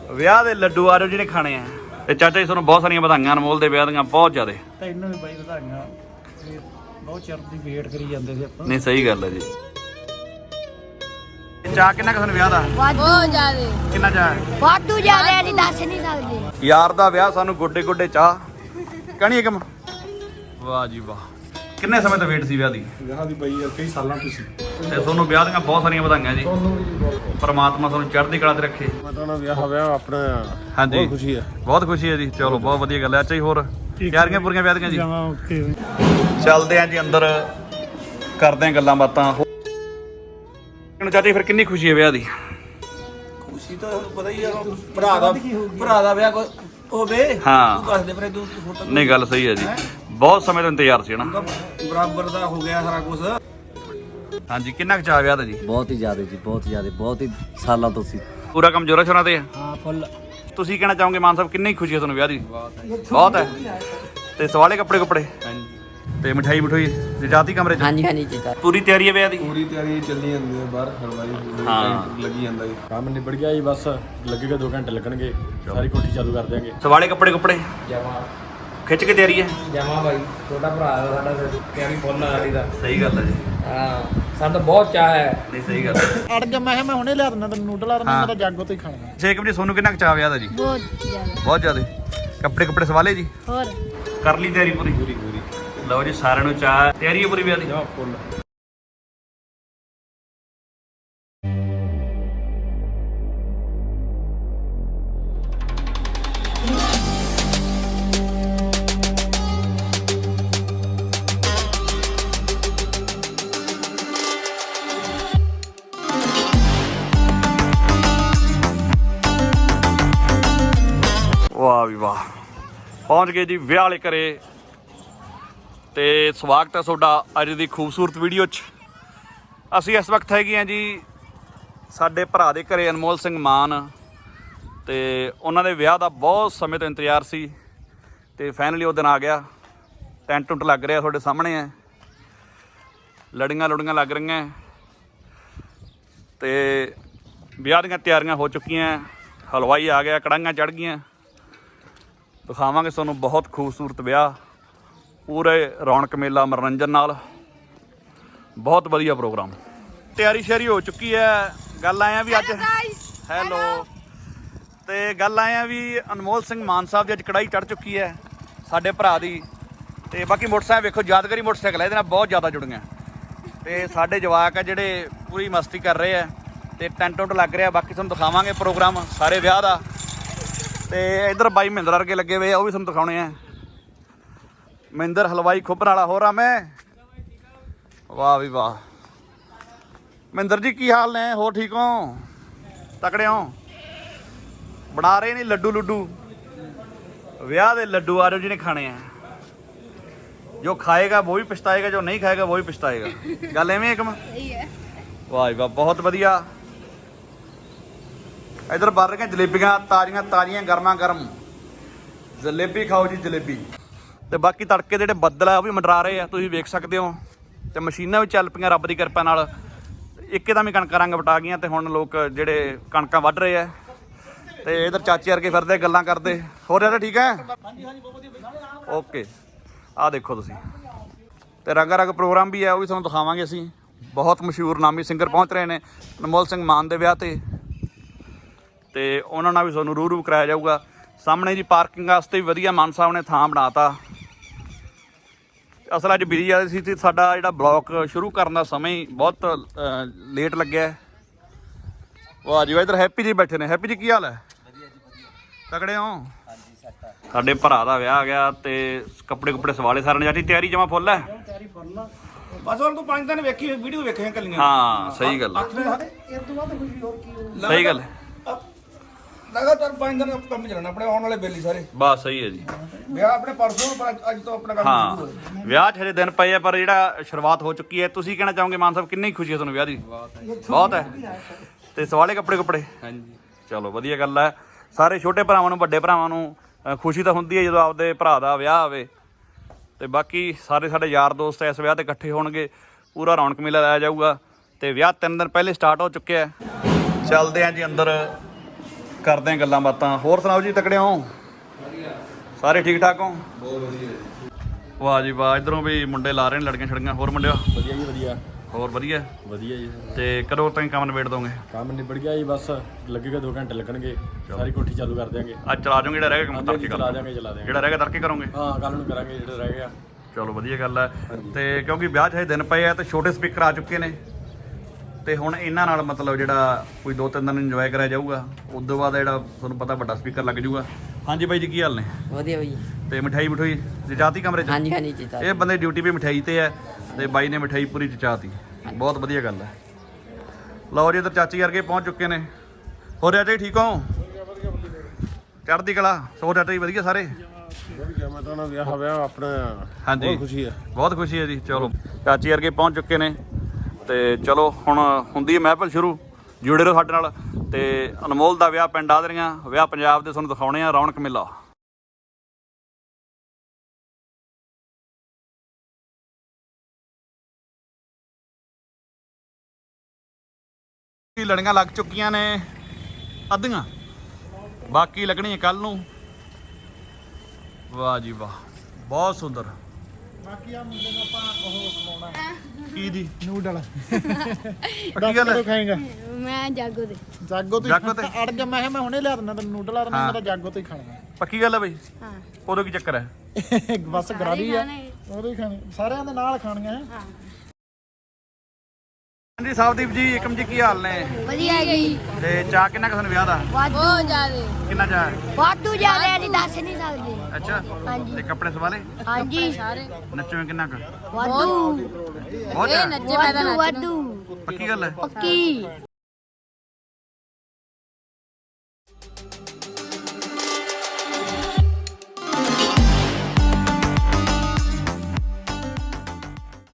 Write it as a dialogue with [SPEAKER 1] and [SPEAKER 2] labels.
[SPEAKER 1] ਵਿਆਹ ਦੇ ਲੱਡੂ ਆ ਰਹੇ ਜਿਹਨੇ ਖਾਣੇ ਆ। ਤੇ ਚਾਚਾ ਜੀ ਤੁਹਾਨੂੰ ਬਹੁਤ ਸਾਰੀਆਂ ਵਧਾਈਆਂ ਅਨਮੋਲ ਦੇ ਵਿਆਹ ਦੀਆਂ, ਬਹੁਤ ਜ਼ਿਆਦਾ।
[SPEAKER 2] ਤੈਨੂੰ ਵੀ ਬਾਈ ਵਧਾਈਆਂ, ਬਹੁਤ ਚਿਰ ਦੀ ਵੇਟ ਕਰੀ ਜਾਂਦੇ ਸੀ ਆਪਾਂ।
[SPEAKER 1] ਨਹੀਂ ਸਹੀ ਗੱਲ ਹੈ ਜੀ। ਚਾਹ ਕਿੰਨਾ ਕੁ ਵਿਆਹ ਦਾ?
[SPEAKER 3] ਬਹੁਤ ਜ਼ਿਆਦਾ।
[SPEAKER 1] ਕਿੰਨਾ ਚਾਹ?
[SPEAKER 3] ਵਾਧੂ ਜ਼ਿਆਦਾ, ਨਹੀਂ ਦੱਸ ਨਹੀਂ ਸਕਦੇ।
[SPEAKER 1] ਯਾਰ ਦਾ ਵਿਆਹ ਸਾਨੂੰ ਗੋਡੇ ਗੋਡੇ ਚਾਹ ਕਹਣੀ ਏਕਮ। ਵਾਹ ਜੀ ਵਾਹ। ਕਿੰਨੇ ਸਮੇਂ ਤੋਂ ਵੇਟ ਸੀ ਵਿਆਹ ਦੀ?
[SPEAKER 2] ਵਿਆਹ ਦੀ ਬਾਈ ਯਾਰ ਕਈ ਸਾਲਾਂ ਤੋਂ ਸੀ।
[SPEAKER 1] ਤੇ ਤੁਹਾਨੂੰ ਵਿਆਹ ਦੀਆਂ ਬਹੁਤ ਸਾਰੀਆਂ ਵਧਾਈਆਂ ਜੀ। ਪਰਮਾਤਮਾ ਤੁਹਾਨੂੰ ਚੜ੍ਹਦੀ ਕਲਾ ਤੇ ਰੱਖੇ।
[SPEAKER 2] ਮਤਲਬ ਵਿਆਹ ਆਪਣਾ
[SPEAKER 1] ਹਾਂਜੀ
[SPEAKER 2] ਬਹੁਤ ਖੁਸ਼ੀ ਹੈ।
[SPEAKER 1] ਬਹੁਤ ਖੁਸ਼ੀ ਹੈ ਜੀ। ਚਲੋ ਬਹੁਤ ਵਧੀਆ ਗੱਲ ਹੈ। ਅੱਛਾ ਜੀ, ਹੋਰ ਤਿਆਰੀਆਂ ਪੂਰੀਆਂ ਵਿਆਹ ਦੀਆਂ ਜੀ?
[SPEAKER 2] ਜਾਵਾਂ ਓਕੇ।
[SPEAKER 1] ਚੱਲਦੇ ਆਂ ਜੀ ਅੰਦਰ, ਕਰਦੇ ਆਂ ਗੱਲਾਂ ਬਾਤਾਂ। ਚਾਚੀ ਫਿਰ ਕਿੰਨੀ ਖੁਸ਼ੀ ਹੈ ਵਿਆਹ ਦੀ?
[SPEAKER 4] ਖੁਸ਼ੀ ਤਾਂ ਤੁਹਾਨੂੰ ਪਤਾ ਹੀ ਆ, ਭਰਾ ਦਾ ਵਿਆਹ ਹੋਵੇ।
[SPEAKER 1] ਹਾਂ
[SPEAKER 4] ਦੱਸ ਦੇ ਫਿਰ ਤੂੰ ਫੋਟੋ।
[SPEAKER 1] ਨਹੀਂ ਗੱਲ ਸਹੀ ਹੈ ਜੀ, ਬਹੁਤ ਸਮੇਂ ਤੋਂ ਇੰਤਜ਼ਾਰ ਸੀ ਨਾ।
[SPEAKER 4] ਬਰਾਬਰ ਦਾ ਹੋ ਗਿਆ ਸਾਰਾ ਕੁਝ।
[SPEAKER 1] ਹਾਂਜੀ ਕਿੰਨਾ ਕੁ ਚਾਅ ਵਿਆਹ ਦਾ ਜੀ?
[SPEAKER 5] ਬਹੁਤ ਹੀ ਜ਼ਿਆਦਾ ਜੀ, ਬਹੁਤ ਜ਼ਿਆਦਾ, ਬਹੁਤ ਹੀ ਸਾਲਾਂ ਤੋਂ ਸੀ।
[SPEAKER 1] ਪੂਰਾ ਕੰਮ ਜੋਰਾਂ ਸ਼ੋਰਾਂ ਤੇ ਆ?
[SPEAKER 2] ਹਾਂ ਫੁੱਲ।
[SPEAKER 1] ਤੁਸੀਂ ਕਹਿਣਾ ਚਾਹੋਗੇ ਮਾਨ ਸਾਹਿਬ ਕਿੰਨੀ ਖੁਸ਼ੀ ਹੈ ਤੁਹਾਨੂੰ ਵਿਆਹ ਦੀ? ਬਹੁਤ ਹੈ। ਤੇ ਸਵਾਲੇ ਕੱਪੜੇ ਕੁੱਪੜੇ ਤੇ ਮਠਾਈ ਮਠੋਈ ਜਾਤੀ ਕਮਰੇ ਚ?
[SPEAKER 5] ਹਾਂਜੀ ਹਾਂਜੀ ਜੀ।
[SPEAKER 1] ਪੂਰੀ ਤਿਆਰੀ ਹੈ ਵਿਆਹ ਦੀ?
[SPEAKER 6] ਪੂਰੀ ਤਿਆਰੀ ਚੱਲੀ ਜਾਂਦੀ ਹੈ, ਬਾਹਰ ਹਲਵਾਈ
[SPEAKER 1] ਹਾਂ।
[SPEAKER 6] ਲੱਗੀ ਜਾਂਦਾ ਜੀ।
[SPEAKER 2] ਕੰਮ ਨਿਬੜ ਗਿਆ ਜੀ, ਬਸ ਲੱਗੇਗਾ 2 ਘੰਟੇ ਲੱਗਣਗੇ, ਸਾਰੀ ਕੋਠੀ ਚਾਲੂ ਕਰ ਦਿਆਂਗੇ।
[SPEAKER 1] ਸਵਾਲੇ ਕੱਪੜੇ ਕੁੱਪੜੇ
[SPEAKER 4] ਜਮਾ
[SPEAKER 1] ਖਿੱਚ ਕੇ ਤਿਆਰੀ ਹੈ?
[SPEAKER 4] ਜਮਾ ਬਾਈ, ਛੋਟਾ ਭਰਾ ਸਾਡਾ ਤਿਆਰੀ ਫੁੱਲ ਆ ਸਾਡੀ ਦਾ।
[SPEAKER 1] ਸਹੀ ਗੱਲ ਹੈ ਜੀ।
[SPEAKER 4] ਹਾਂ ਸਾਨੂੰ ਤਾਂ ਬਹੁਤ ਚਾਹ ਹੈ।
[SPEAKER 1] ਨਹੀਂ ਸਹੀ ਗੱਲ ਹੈ।
[SPEAKER 2] ਅੜ ਜਾ, ਮੈਂ ਹੁਣੇ ਲਿਆ ਦਿੰਦਾ ਤੈਨੂੰ ਨੂਡਲ ਆ, ਮੈਂ ਤਾਂ ਜਾਗੋ ਤੋਂ ਹੀ ਖਾਣਾ।
[SPEAKER 1] ਸ਼ੇਕ ਜੀ ਸੋਨੂੰ ਕਿੰਨਾ ਕੁ ਚਾਅ ਵਿਆਹ ਦਾ ਜੀ?
[SPEAKER 3] ਬਹੁਤ ਜ਼ਿਆਦਾ।
[SPEAKER 1] ਬਹੁਤ ਜ਼ਿਆਦਾ। ਕੱਪੜੇ ਕੁੱਪੜੇ ਸਵਾਲੇ ਜੀ?
[SPEAKER 3] ਹੋਰ
[SPEAKER 1] ਕਰ ਲਈ ਤਿਆਰੀ ਪੂਰੀ? ਪੂਰੀ। ਲਓ ਜੀ ਸਾਰਿਆਂ ਨੂੰ ਚਾਹ, ਤਿਆਰੀ ਹੈ ਪੂਰੀ ਵਿਆਹ ਦੀ?
[SPEAKER 2] ਫੁੱਲ।
[SPEAKER 1] ਵਾਹ ਵੀ ਵਾਹ, ਪਹੁੰਚ ਗਏ ਜੀ ਵਿਆਹ ਵਾਲੇ ਘਰੇ। ਤੇ ਸਵਾਗਤ ਹੈ ਤੁਹਾਡਾ ਅੱਜ ਦੀ ਖੂਬਸੂਰਤ ਵੀਡੀਓ 'ਚ। ਅਸੀਂ ਇਸ ਵਕਤ ਹੈਗੇ ਹਾਂ ਜੀ ਸਾਡੇ ਭਰਾ ਦੇ ਘਰੇ, ਅਨਮੋਲ ਸਿੰਘ ਮਾਨ। ਤੇ ਉਹਨਾਂ ਦੇ ਵਿਆਹ ਦਾ ਬਹੁਤ ਸਮੇਂ ਤੋਂ ਇੰਤਜ਼ਾਰ ਸੀ ਤੇ ਫਾਈਨਲੀ ਉਹ ਦਿਨ ਆ ਗਿਆ। ਟੈਂਟ ਟੁੰਟ ਲੱਗ ਰਿਹਾ, ਤੁਹਾਡੇ ਸਾਹਮਣੇ ਹੈ। ਲੜੀਆਂ ਲੁੜੀਆਂ ਲੱਗ ਰਹੀਆਂ ਤੇ ਵਿਆਹ ਦੀਆਂ ਤਿਆਰੀਆਂ ਹੋ ਚੁੱਕੀਆਂ। ਹਲਵਾਈ ਆ ਗਿਆ, ਕੜਾਹੀਆਂ ਚੜ੍ਹ ਗਈਆਂ। ਦਿਖਾਵਾਂਗੇ ਤੁਹਾਨੂੰ ਬਹੁਤ ਖੂਬਸੂਰਤ ਵਿਆਹ, ਪੂਰੇ ਰੌਣਕ ਮੇਲਾ ਮਨੋਰੰਜਨ ਨਾਲ, ਬਹੁਤ ਵਧੀਆ ਪ੍ਰੋਗਰਾਮ। ਤਿਆਰੀ ਸ਼ਿਆਰੀ ਹੋ ਚੁੱਕੀ ਹੈ। ਗੱਲ ਆਏ ਆ ਵੀ ਅੱਜ ਹੈਲੋ ਤੇ ਗੱਲ ਆਏ ਆ ਵੀ ਅਨਮੋਲ ਸਿੰਘ ਮਾਨ ਸਾਹਿਬ ਦੀ ਅੱਜ ਕੜਾਈ ਚੜ੍ਹ ਚੁੱਕੀ ਹੈ ਸਾਡੇ ਭਰਾ ਦੀ। ਤੇ ਬਾਕੀ ਮੋਟਰਸਾਈਕਲ ਵੇਖੋ, ਯਾਦਗਾਰੀ ਮੋਟਰਸਾਈਕਲ ਹੈ, ਇਹਦੇ ਨਾਲ ਬਹੁਤ ਜ਼ਿਆਦਾ ਜੁੜੀਆਂ। ਤੇ ਸਾਡੇ ਜਵਾਕ ਆ ਜਿਹੜੇ ਪੂਰੀ ਮਸਤੀ ਕਰ ਰਹੇ ਆ ਤੇ ਟੈਂਟ ਟੁੰਟ ਲੱਗ ਰਿਹਾ। ਬਾਕੀ ਤੁਹਾਨੂੰ ਦਿਖਾਵਾਂਗੇ ਪ੍ਰੋਗਰਾਮ ਸਾਰੇ ਵਿਆਹ ਦਾ। ਤੇ ਇੱਧਰ ਬਾਈ ਮਹਿੰਦਰ ਵਰਗੇ ਲੱਗੇ ਹੋਏ ਆ, ਉਹ ਵੀ ਤੁਹਾਨੂੰ ਦਿਖਾਉਣੇ ਆ। ਮਹਿੰਦਰ ਹਲਵਾਈ ਖੁੱਬਰ ਵਾਲਾ। ਹੋਰ ਆ ਮੈਂ? ਵਾਹ ਵੀ ਵਾਹ। ਮਹਿੰਦਰ ਜੀ ਕੀ ਹਾਲ ਨੇ? ਹੋਰ ਠੀਕ ਹੋ? ਤਕੜੇ ਹੋ? ਬਣਾ ਰਹੇ ਨੇ ਲੱਡੂ ਲੁੱਡੂ, ਵਿਆਹ ਦੇ ਲੱਡੂ ਆ ਰਹੇ ਜਿਹਨੇ ਖਾਣੇ ਆ। ਜੋ ਖਾਏਗਾ ਉਹ ਵੀ ਪਛਤਾਏਗਾ, ਜੋ ਨਹੀਂ ਖਾਏਗਾ ਉਹ ਵੀ ਪਛਤਾਏਗਾ। ਗੱਲ ਐਵੇਂ ਇੱਕਮ? ਵਾਹ ਵਾਹ, ਬਹੁਤ ਵਧੀਆ। ਇੱਧਰ ਬਣ ਰਹੀਆਂ ਜਲੇਬੀਆਂ ਤਾਜ਼ੀਆਂ ਤਾਜ਼ੀਆਂ ਗਰਮਾ ਗਰਮ। ਜਲੇਬੀ ਖਾਓ ਜੀ, ਜਲੇਬੀ। ਤੇ ਬਾਕੀ ਤੜਕੇ ਦੇ ਜਿਹੜੇ ਬੱਦਲ ਆ ਉਹ ਵੀ ਮੰਡਰਾ ਰਹੇ ਆ, ਤੁਸੀਂ ਵੇਖ ਸਕਦੇ ਹੋ। ਤੇ ਮਸ਼ੀਨਾਂ ਵੀ ਚੱਲ ਪਈਆਂ ਰੱਬ ਦੀ ਕਿਰਪਾ ਨਾਲ। ਇੱਕਦਮ ਹੀ ਕਣਕਾਂ ਰੰਗ ਵਟਾ ਗਈਆਂ ਤੇ ਹੁਣ ਲੋਕ ਜਿਹੜੇ ਕਣਕਾਂ ਵੱਢ ਰਹੇ ਆ। ਤੇ ਇਧਰ ਚਾਚੇ ਵਰਗੇ ਫਿਰਦੇ ਗੱਲਾਂ ਕਰਦੇ। ਹੋਰ ਯਾਰ ਠੀਕ ਹੈ? ਓਕੇ। ਆਹ ਦੇਖੋ ਤੁਸੀਂ, ਤੇ ਰੰਗਾ ਰੰਗ ਪ੍ਰੋਗਰਾਮ ਵੀ ਹੈ, ਉਹ ਵੀ ਤੁਹਾਨੂੰ ਦਿਖਾਵਾਂਗੇ ਅਸੀਂ। ਬਹੁਤ ਮਸ਼ਹੂਰ ਨਾਮੀ ਸਿੰਗਰ ਪਹੁੰਚ ਰਹੇ ਨੇ ਅਨਮੋਲ ਸਿੰਘ ਮਾਨ ਦੇ ਵਿਆਹ ਤੇ ਉਹਨਾਂ ਨਾਲ ਵੀ ਤੁਹਾਨੂੰ ਰੂ ਕਰਾਇਆ ਜਾਊਗਾ। ਸਾਹਮਣੇ ਜੀ ਪਾਰਕਿੰਗ ਵਾਸਤੇ ਵੀ ਵਧੀਆ ਮਾਨ ਸਾਹਿਬ ਨੇ ਥਾਂ ਬਣਾਤਾ। ਅਸਲ ਅੱਜ ਬਿਜੀ ਆ ਸੀ ਤੇ ਸਾਡਾ ਜਿਹੜਾ ਬਲੌਕ ਸ਼ੁਰੂ ਕਰਨ ਦਾ ਸਮਾਂ ਹੀ ਬਹੁਤ ਲੇਟ ਲੱਗਿਆ। ਵਾਹ ਜੀ, ਇੱਧਰ ਹੈਪੀ ਜੀ ਬੈਠੇ ਨੇ। ਹੈਪੀ ਜੀ ਕੀ ਹਾਲ ਹੈ? ਤਕੜੇ ਹੋ? ਸਾਡੇ ਭਰਾ ਦਾ ਵਿਆਹ ਆ ਗਿਆ ਤੇ ਕੱਪੜੇ ਕੁੱਪੜੇ ਸਵਾਲੇ ਸਾਰਿਆਂ ਨੇ। ਜਾਟੀ ਤਿਆਰੀ ਜਮਾ ਫੁੱਲ ਹੈ?
[SPEAKER 4] ਬਸ ਹੁਣ ਤੂੰ 5 ਦਿਨ ਵੇਖੀ ਵੀਡੀਓ ਵੇਖੀਆਂ ਕੱਲੀਆਂ।
[SPEAKER 1] ਹਾਂ ਸਹੀ ਗੱਲ ਹੈ, ਸਹੀ ਗੱਲ ਹੈ।
[SPEAKER 4] ਲਗਾਤਾਰ 5 ਦਿਨ ਕੰਮ ਚੱਲਣਾ ਆਪਣੇ ਆਉਣ ਵਾਲੇ ਬੇਲੀ ਸਾਰੇ।
[SPEAKER 1] ਬਸ ਸਹੀ ਹੈ ਜੀ।
[SPEAKER 4] ਵਿਆਹ ਆਪਣੇ ਪਰਸੋਂ, ਪਰ ਅੱਜ ਤੋਂ ਆਪਣਾ ਕੰਮ
[SPEAKER 1] ਹਾਂ
[SPEAKER 4] ਸ਼ੁਰੂ ਹੋਇਆ।
[SPEAKER 1] ਵਿਆਹ 'ਚ ਹਜੇ ਦਿਨ ਪਏ ਆ, ਪਰ ਜਿਹੜਾ ਸ਼ੁਰੂਆਤ ਹੋ ਚੁੱਕੀ ਹੈ। ਤੁਸੀਂ ਕਹਿਣਾ ਚਾਹੋਗੇ ਮਾਨ ਸਾਹਿਬ ਕਿੰਨੀ ਖੁਸ਼ੀ ਹੈ ਤੁਹਾਨੂੰ ਵਿਆਹ ਦੀ? ਬਹੁਤ ਹੈ। ਤੇ ਸਵਾਲੇ ਕੱਪੜੇ ਕੁੱਪੜੇ? ਹਾਂਜੀ। ਚਲੋ ਵਧੀਆ ਗੱਲ ਹੈ। ਸਾਰੇ ਛੋਟੇ ਭਰਾਵਾਂ ਨੂੰ ਵੱਡੇ ਭਰਾਵਾਂ ਨੂੰ ਖੁਸ਼ੀ ਤਾਂ ਹੁੰਦੀ ਹੈ ਜਦੋਂ ਆਪਦੇ ਭਰਾ ਦਾ ਵਿਆਹ ਆਵੇ। ਤੇ ਬਾਕੀ ਸਾਰੇ ਸਾਡੇ ਯਾਰ ਦੋਸਤ ਇਸ ਵਿਆਹ ਤੇ ਇਕੱਠੇ ਹੋਣਗੇ, ਪੂਰਾ ਰੌਣਕ ਮੇਲਾ ਲਾਇਆ ਜਾਊਗਾ। ਤੇ ਵਿਆਹ 3 ਦਿਨ ਪਹਿਲੇ ਸਟਾਰਟ ਹੋ ਚੁੱਕਿਆ। ਚੱਲਦੇ ਆਂ ਜੀ ਅੰਦਰ, ਕਰਦੇ ਆਂ ਗੱਲਾਂ ਬਾਤਾਂ। ਹੋਰ ਸੁਣਾਓ ਜੀ, ਤਕੜੇ ਹੋ? ਸਾਰੇ ਠੀਕ ਠਾਕ ਹੋ?
[SPEAKER 6] ਬਹੁਤ ਵਧੀਆ
[SPEAKER 1] ਵਾਹ ਜੀ ਵਾਹ, ਇਧਰੋਂ ਵੀ ਮੁੰਡੇ ਲਾ ਰਹੇ ਨੇ ਲੜਕੀਆਂ ਛੜੀਆਂ। ਹੋਰ ਮੁੰਡਿਓ?
[SPEAKER 7] ਵਧੀਆ ਜੀ ਵਧੀਆ
[SPEAKER 1] ਹੋਰ ਵਧੀਆ।
[SPEAKER 7] ਵਧੀਆ ਜੀ।
[SPEAKER 1] ਤੇ ਕਦੋਂ ਤਾਈਂ ਕੰਮ ਨਿਬੇੜ ਦੋਗੇ?
[SPEAKER 7] ਕੰਮ ਨਿਬੜ ਗਿਆ ਜੀ, ਬਸ ਲੱਗੇਗਾ 2 ਘੰਟੇ ਲੱਗਣਗੇ, ਸਾਰੀ ਕੋਠੀ ਚਾਲੂ ਕਰ ਦਿਆਂਗੇ।
[SPEAKER 1] ਅੱਜ ਚਲਾ ਜਾਓਗੇ? ਜਿਹੜਾ ਰਹਿ ਗਿਆ ਕੰਮ ਤੜਕੇ
[SPEAKER 7] ਚਲਾ ਦਿਆਂਗੇ ਚਲਾ ਦਿਆਂਗੇ।
[SPEAKER 1] ਜਿਹੜਾ ਰਹਿ ਗਿਆ ਤੜਕੇ ਕਰੋਗੇ?
[SPEAKER 7] ਹਾਂ ਕੱਲ ਨੂੰ ਕਰਾਂਗੇ ਜਿਹੜਾ ਰਹਿ ਗਿਆ।
[SPEAKER 1] ਚਲੋ ਵਧੀਆ ਗੱਲ ਹੈ। ਤੇ ਕਿਉਂਕਿ ਵਿਆਹ 'ਚ ਹਜੇ ਦਿਨ ਪਏ ਆ ਤੇ ਛੋਟੇ ਸਪੀਕਰ ਆ ਚੁੱਕੇ ਨੇ, ਤੇ ਹੁਣ ਇਹਨਾਂ ਨਾਲ ਮਤਲਬ ਜਿਹੜਾ ਕੋਈ 2-3 ਦਿਨ ਇੰਜੋਏ ਕਰਿਆ ਜਾਊਗਾ। ਉਸ ਤੋਂ ਬਾਅਦ ਜਿਹੜਾ ਤੁਹਾਨੂੰ ਪਤਾ ਵੱਡਾ ਸਪੀਕਰ ਲੱਗ ਜਾਊਗਾ। ਹਾਂਜੀ ਬਾਈ ਜੀ, ਕੀ ਹਾਲ ਨੇ?
[SPEAKER 8] ਵਧੀਆ ਬਾਈ।
[SPEAKER 1] ਤੇ ਮਠਾਈ ਜਚਾਤੀ ਕਮਰੇ 'ਚ?
[SPEAKER 8] ਹਾਂਜੀ ਹਾਂਜੀ ਚੀਤਾ।
[SPEAKER 1] ਇਹ ਬੰਦੇ ਡਿਊਟੀ ਵੀ ਮਠਾਈ ਤੇ ਹੈ ਤੇ ਬਾਈ ਨੇ ਮਠਾਈ ਪੂਰੀ ਜਚਾਤੀ। ਬਹੁਤ ਵਧੀਆ ਗੱਲ ਹੈ। ਲਓ ਜੀ, ਇੱਧਰ ਚਾਚੀ ਵਰਗੇ ਪਹੁੰਚ ਚੁੱਕੇ ਨੇ। ਹੋਰ ਚਾਚਾ ਜੀ ਠੀਕ ਹੋ? ਚੜ੍ਹਦੀ ਕਲਾ। ਸੋ ਚਾਚਾ ਜੀ ਵਧੀਆ ਸਾਰੇ?
[SPEAKER 6] ਮੈਂ ਤਾਂ ਵਿਆਹ ਹੋਇਆ ਆਪਣਾ।
[SPEAKER 1] ਹਾਂਜੀ
[SPEAKER 6] ਬਹੁਤ ਖੁਸ਼ੀ ਹੈ।
[SPEAKER 1] ਬਹੁਤ ਖੁਸ਼ੀ ਹੈ ਜੀ। ਚਲੋ ਚਾਚੀ ਵਰਗੇ ਪਹੁੰਚ ਚੁੱਕੇ ਨੇ ਤੇ ਚਲੋ ਹੁਣ ਹੁੰਦੀ ਹੈ ਮਹਿਫਲ ਸ਼ੁਰੂ। ਜੁੜੇ ਰਹੋ ਸਾਡੇ ਨਾਲ। ਤੇ ਅਨਮੋਲ ਦਾ ਵਿਆਹ ਪਿੰਡ ਆਦਰੀਆਂ, ਵਿਆਹ ਪੰਜਾਬ ਦੇ ਤੁਹਾਨੂੰ ਦਿਖਾਉਣੇ ਆ, ਰੌਣਕ ਮੇਲਾ। ਲੜੀਆਂ ਲੱਗ ਚੁੱਕੀਆਂ ਨੇ ਅੱਧੀਆਂ, ਬਾਕੀ ਲੱਗਣੀਆਂ ਕੱਲ ਨੂੰ। ਵਾਹ ਜੀ ਵਾਹ, ਬਹੁਤ ਸੁੰਦਰ।
[SPEAKER 2] ਬਾਕੀ ਆ ਮੁੰਡੇ ਨੂੰ ਆਪਾਂ ਉਹ ਖਵਾਉਣਾ
[SPEAKER 1] ਕੀ ਜੀ?
[SPEAKER 2] ਨੂਡਲ।
[SPEAKER 1] ਪੱਕੀ ਗੱਲ ਹੈ?
[SPEAKER 2] ਖਾਏਗਾ
[SPEAKER 3] ਮੈਂ ਜਾਗੋ ਦੇ।
[SPEAKER 2] ਜਾਗੋ ਤੋਂ
[SPEAKER 1] ਜਾਗੋ ਤੇ?
[SPEAKER 2] ਅੜ ਗਿਆ। ਮੈਂ ਕਿਹਾ ਮੈਂ ਹੁਣੇ ਲਿਆ ਦਿੰਦਾ ਤੈਨੂੰ ਨੂਡਲ ਆ, ਮੈਂ ਤਾਂ ਜਾਗੋ ਤੋਂ ਹੀ ਖਾਣਾ।
[SPEAKER 1] ਪੱਕੀ ਗੱਲ ਹੈ ਬਈ?
[SPEAKER 3] ਹਾਂ।
[SPEAKER 1] ਉਦੋਂ ਕੀ ਚੱਕਰ ਹੈ?
[SPEAKER 2] ਬਸ ਗਰਾਰੀ ਆ, ਉਹਦੇ ਹੀ ਖਾਣੇ, ਸਾਰਿਆਂ ਦੇ ਨਾਲ ਖਾਣੀਆਂ ਹੈ।
[SPEAKER 3] ਹਾਂ
[SPEAKER 1] ਹਾਂਜੀ ਸਾਹਿਬਦੀਪ ਜੀ, ਏਕਮ ਜੀ, ਕੀ ਹਾਲ ਨੇ?
[SPEAKER 3] ਵਧੀਆ ਗਈ।
[SPEAKER 1] ਤੇ ਚਾਹ ਕਿੰਨਾ ਕੁ ਤੁਹਾਨੂੰ ਵਿਆਹ ਦਾ?
[SPEAKER 3] ਬਹੁਤ ਜ਼ਿਆਦੇ।
[SPEAKER 1] ਕਿੰਨਾ ਚਾਹ?
[SPEAKER 3] ਵਾਧੂ ਜ਼ਿਆਦੇ ਨਹੀਂ ਦੱਸ ਨਹੀਂ ਸਕਦੇ।
[SPEAKER 1] ਅੱਛਾ।
[SPEAKER 3] ਹਾਂਜੀ।
[SPEAKER 1] ਤੇ ਕੱਪੜੇ ਸਵਾਲੇ?
[SPEAKER 3] ਹਾਂਜੀ ਸਾਰੇ
[SPEAKER 1] ਨੱਚੋਗੇ ਕਿੰਨਾ ਕੁ?
[SPEAKER 3] ਵਾਧੂ।
[SPEAKER 1] ਬਹੁਤ ਜ਼ਿਆਦਾ?
[SPEAKER 3] ਵਾਧੂ ਵਾਧੂ।
[SPEAKER 1] ਪੱਕੀ ਗੱਲ ਹੈ?
[SPEAKER 3] ਪੱਕੀ।